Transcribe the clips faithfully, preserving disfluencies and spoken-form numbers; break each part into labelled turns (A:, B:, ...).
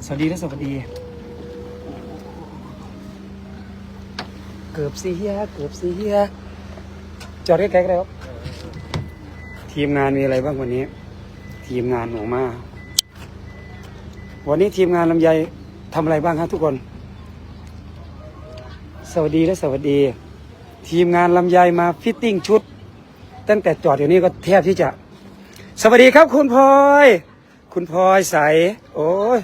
A: สวัสดีและสวัสดีเกือบเสียเกือบเสียจอดใกล้ๆแล้วทีมงานมีอะไรบ้างวันนี้ทีมงานหนูมาวันนี้ทีมงานลำไยทำอะไรบ้างครับทุกคนสวัสดีและสวัสดีทีมงานลำไยมาฟิตติ้งชุดตั้งแต่จอดอยู่นี่ก็แทบที่จะสวัสดีครับคุณพลอยคุณพลอยใสโอ้ย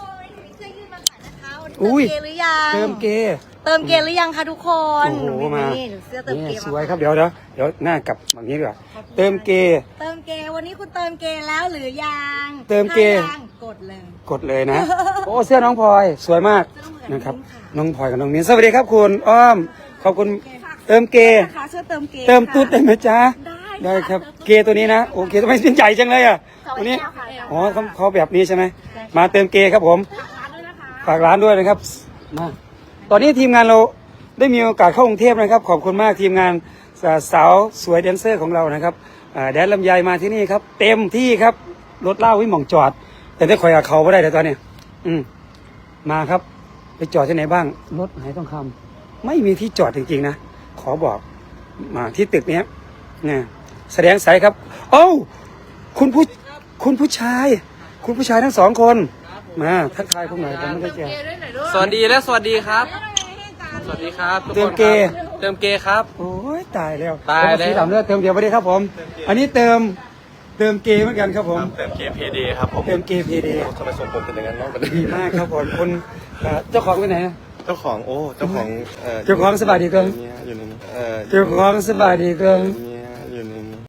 A: อุ้ยเติมเก
B: เติมเกหรือยังคะทุกคน
A: โอ้โหมา
B: นี่เสื้อเติมเก
A: สวยครับเดี๋ยวเดี๋ยวเดี๋ยวหน้ากลับแบบนี้ดีกว่าเติมเก
B: เติมเกวันนี้คุณเติมเกแล้วหรือยัง
A: เติมเก
B: ถ้ายังกดเลย
A: กดเลยนะ โอ้เสื้อน้องพลอยสวยมากนะครับน้องพลอยกับน้องมิ้นสวัสดีครับคุณอ้อมขอบคุณเติมเก
B: นะคะเสื้อเติมเก
A: เติมตุ๊ดได้ไหมจ๊ะ
B: ได้
A: ได้ครับเกตัวนี้นะโอเคทำไมเป็นใหญ่จังเลยอ่ะตัวนี้อ๋อเขาเขาแบบนี้ใช่ไหมมาเติมเกครับผมฝากร้านด้วยนะครับมาตอนนี้ทีมงานเราได้มีโอกาสเข้ากรุงเทพนะครับขอบคุณมากทีมงานสาวสวยแดนเซอร์ของเรานะครับแดนลำไยมาที่นี่ครับเต็มที่ครับรถเล่าวิ่งหม่องจอดแต่ได้คอยกับเขาไม่ได้แต่ตอนนี้อืมมาครับไปจอดที่ไหนบ้างรถไหนต้องคำไม่มีที่จอดจริงๆนะขอบอกมาที่ตึกนี้เนี่ยแสดงสายครับโอ้คุณผู้คุณผู้ชาย คุณผู้ชายทั้งสองคนมาทักทายพวกหน่อยผมไม่ได้เจอ
C: สวัสดีและสวัสดีครับ สวัสดีครับทุกคน
A: เติมเก
C: ครับเติมเกครับ
A: โอ้ยตายแล้ว
C: ตายแล้ว
A: สีดำเลือดเติมเดียวไม่ได้ครับผม อันนี้เติมเติมเกเหมือนกันครับผม
C: เติมเกเพเดครับผม
A: เติมเกพีดี
C: ทำไมส่งผมเป็นอย่างนั้นน้องกัน
A: ดีมากครับผมคุณเอ่อเจ้าของไปไหนนะ
D: เจ้าของโอ้เจ้าของเอ่อ
A: เจ้าของสบายดีเกิน
D: เนี่ยอยู่ในนี้เอ่อ
A: เจ้าของสบายดีเกิน
D: เนี่ยอยู่ในนี้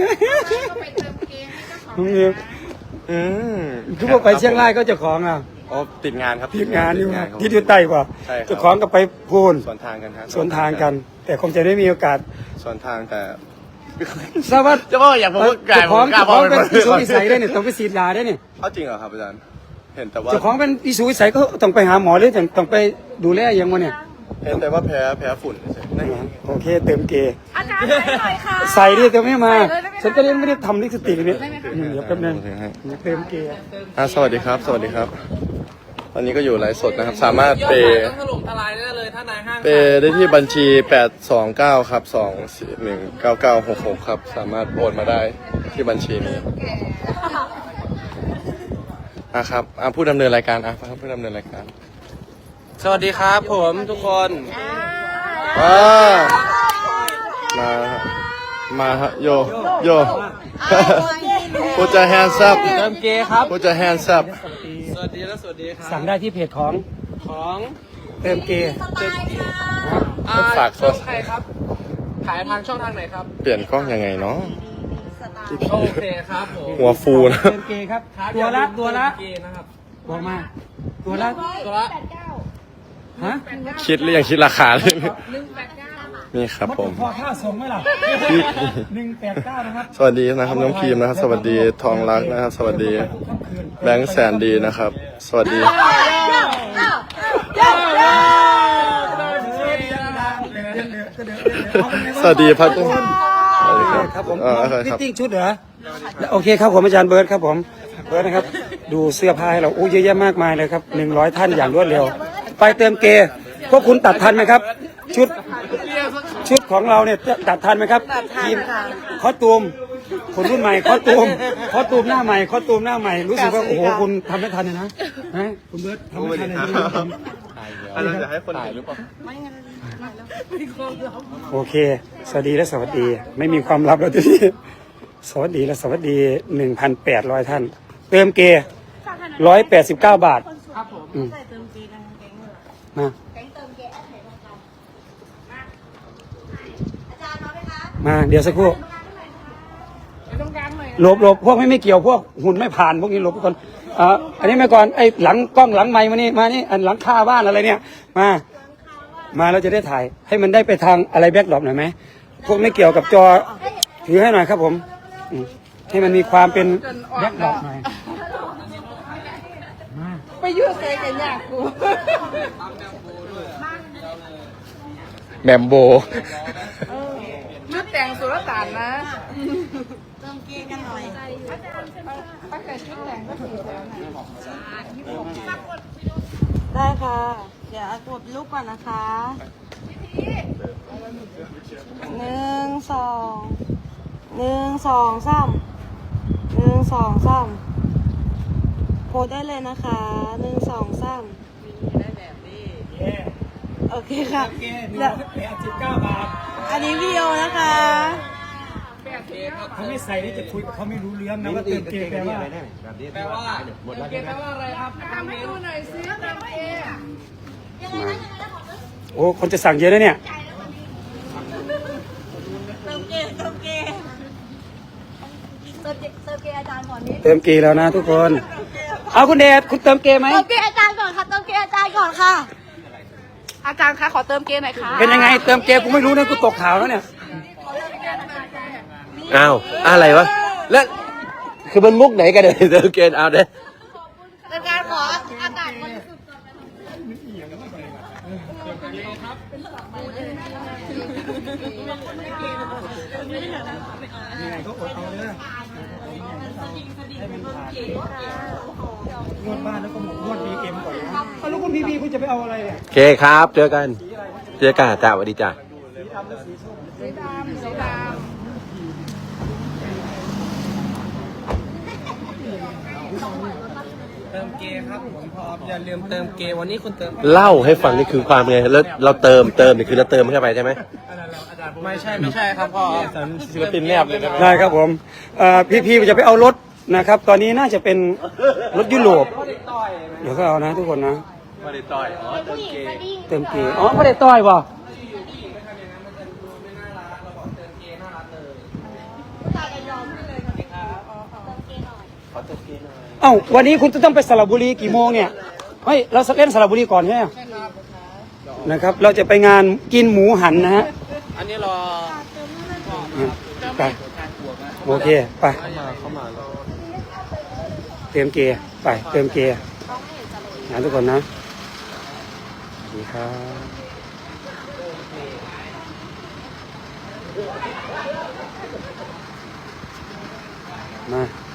A: น้องนิว
D: อืม
A: ทุกคนไปเชียงรายก็เจ้าของอ่ะ
D: อ๋อติดงานครับ
A: ทีมงานอยู่
D: ติดงานครับ
A: ที่อยู่ใต้กว่า
D: ใช่ครับ
A: เจ้าของก็ไปพูน
D: สวนทางกันครับ
A: สวนทางกัน แต่คงจะได้มีโอกาส
D: สวนทางแต่
A: ทราบว่า
D: จะบอกอย่างผมก็กลาย
A: เจ้าของ
D: ผมกล้า
A: เจ้าของเป็น
D: บอก
A: อิสุวิสัยได้เนี่ยต้องไปฉีดยาได้เนี่ย
D: เอาจริงเหรอครับอาจารย์เห็นแต่ว่า
A: เจ้าของเป็นอิสุวิสัยก็ต้องไปหาหมอหรือต้องไปดูแลยังวะเนี่ย
D: เห็นแต่ว่าแพ้แพ้ฝุ่นเฉยๆนั่นเอง
A: โอเคเติมเกย์
B: อาจารย์ใส่หน่อยค่ะ
A: ใส่ดิเติมไม่มา
B: ใส่เลยได้ไหมคะ
A: ฉันก็เล่นไม่ได้ทำลิปสติกเนี่ยอืมเดี๋ยวแป๊บนึงเติมเกย์
D: อ่ะสวัสดีครับ สวัสดีครับ ตอนนี้ก็อยู่ไลฟ์สดนะครับ สามารถเปย์
C: ต้องถล่มทลายได้เลยถ้านายห้าง
D: เปย์ได้ที่บัญชีแปดสองเก้าครับสองสี่หนึ่งเก้าเก้าหกหกครับ สามารถโอนมาได้ที่บัญชีนี้ อ่ะครับอ่ะผู้ดำเนินรายการอ่ะผู้ดำเนินรายการ
C: สวัสดีครับผมทุกคน
D: อ่ามาฮะมาฮะโยโยผู้จะแฮนด์ซับ
C: เติมเกครับ
D: ผู้จะแฮนด์ซับ
C: สวัสดีและสวัสดีครับ
A: สั่งได้ที่เพจของ
C: ของ
A: เติมเกย์
C: อ่
D: ฝากโทร
C: ช่องใครครับ ขายทางช่องทางไหนครับ
D: เปลี่ยนกล้องยังไงเนาะ
C: โอเคครับผม
D: หัวฟูนะ
A: เติมเกย์ครับ ตัวละตัวละ
C: เกนะครับ
A: บอกมาตัวละ
C: ตัวละ
A: ฮะ
D: คิดหรือยังคิดราคาเลยนี่ครับผม
A: พอค่าส่งไหมล่ะหนึ่งแปดเก้านะครับ
D: สวัสดีนะครับน้องพีมนะครับ สวัสดีทองรักนะครับ สวัสดีแบงค์แสนดีนะครับ สวัสดี สวัสดีพัดสวัสดีครับ
A: ครับผม
D: เออโอเค
A: ฟิ
D: ค
A: ต
D: รับ
A: ติ้งชุดเหรอโอเคครับผมอาจารย์เบิร์ดครับผมเบิร์ดนะครับ ดูเสื้อผ้าให้เราอู้เยอะแยะมากมายเลยครับหนึ่งร้อยท่านอย่างรวดเร็ว ไปเติมเกย์พวกคุณตัดทันไหมครับ ชุดชุดของเราเนี่ยตัดทันไหมครับทีมคอสตูมคนรุ่นใหม่คอสตูมคอสตูมหน้าใหม่คอสตูมหน้าใหม่รู้สึกว่าโอ้โหคุณทำไม่ทันเลยนะนะคุณเบิร์ดทำไม่ทันเลยนะ
D: เราจะให้คนถ่ายหรือเปล่า
A: โอเค สวัสดีและสวัสดี ไม่มีความลับแล้วทีนี้สวัสดีและสวัสดีหนึ่งพันแปดร้อยท่าน เติมเกย์ร้อยแปดสิบเก้าบาท
C: ครับผม
A: อืม
B: ใส่เติมเกนะคะแก๊งเลย
A: มา
B: แก๊งเติมเกแอดไหนลงกันมาอาจารย์มาไหมคะ
A: มาเดี๋ยวสักครู่
B: ไปตรงกลางหน่อย
A: หลบหลบพวกไม่ไม่เกี่ยวพวกหุ่นไม่ผ่านพวกนี้หลบทุกคนอ่าอันนี้มาก่อนไอ้หลังกล้องหลังไมค์มานี่มานี่อันหลังคาบ้านอะไรเนี่ยมา มาเราจะได้ถ่ายให้มันได้ไปทางอะไรแบ็คดรอปหน่อยไหมพวกไม่เกี่ยวกับจอถือให้หน่อยครับผมอืมให้มันมีความเป็นแบ็คดรอปหน่อยมา
B: ไปยืดเซกันยากกู
D: แบมโบ
B: ชุดแต่งสุรต่านนะเติมเกกันหน่อยอาจารย์ป้าไก่ชุดแต่งก็ถือแถวไหน
E: ได้ค่ะ เดี๋ยวกดรูปก่อนนะคะหนึ่งสองหนึ่งสองสามหนึ่งสองสามโพสได้เลยนะคะหนึ่งสองสามโอเคค่ะเดี๋ยว
A: แปดสิบเก้าบาท
E: อันนี้วิดีโอนะคะ
A: เขาไม่ใส่นี่จะคุยกับเขาไม่รู้เรื่องนะว่าเติมเกมแปลว่า
C: แปลว่าเติมเกมแปลว่าอะไรครับ
B: ทำให้ดูหน่อยซิเติมเอ
A: โอ้คนจะสั่งเยอะนะเนี่ย
E: เติมเกมเติมเกมเติมเกมเติมเกมอาจารย์ก่อนนิด
A: เติมเกมแล้วนะทุกคน เอาคุณเดชคุณเติมเกมไหม
E: เติมเกมอาจารย์ก่อนค่ะเติมเกมอาจารย์ก่อนค่ะ
B: อาจารย์คะขอเติมเกมหน่อยค่ะ
A: เป็นยังไงเติมเกมกูไม่รู้นะกูตกข่าวแล้วเนี่ย
F: อ้าวอะไรวะ แล้วคือมันมุกไหนกันเนี่ยเดี๋ยวเกณฑ์เอาเด้
B: อาจารย์ขออากาศบริสุทธิ์
A: ยังไงก็อดเอาเลยให้มันผ่านงวดบ้านแล้วก็หมดงวดบีเอ็มก่อนนะเอาแล้วคุณพีพีคุณจะไปเอาอะไรเนี่ย
F: โอเคครับ เจอกัน เจอกันจ้าสวัสดีจ้า
B: สีดำสีดำ
C: เติมเกมครับผมพร้อมอย่าลืมเติมเกมวันนี้คุณเติม
F: เล่าให้ฟังนี่คือความไง แล้วเราเติมเติมนี่คือเราเติมเข้าไปใช่ไหม
C: ไม่ใช่ไม่ใช่ครับพ่อ
F: ศิลปินแนบเลย
A: ได้ครับผมเอ่อพี่พีจะไปเอารถนะครับ ตอนนี้น่าจะเป็นรถยุโรปเดี๋ยวก็เอานะทุกคนนะ
F: ไม่ได้ต่อยอ๋อเติมเกม
A: เติมเกมอ๋อไม่ได้ต้อยป่ะเอ้าวันนี้คุณจะต้องไปสระบุรีกี่โมงเนี่ยเฮ้ยเราเล่นสระบุรีก่อนใช่ไหมนะครับ เราจะไปงานกินหมูหันนะฮะ
C: อันนี้รอ
A: ไปโอเคไปเติมเกียร์ไปเติมเกียร์นะทุกคนนะสวัสดีครับมา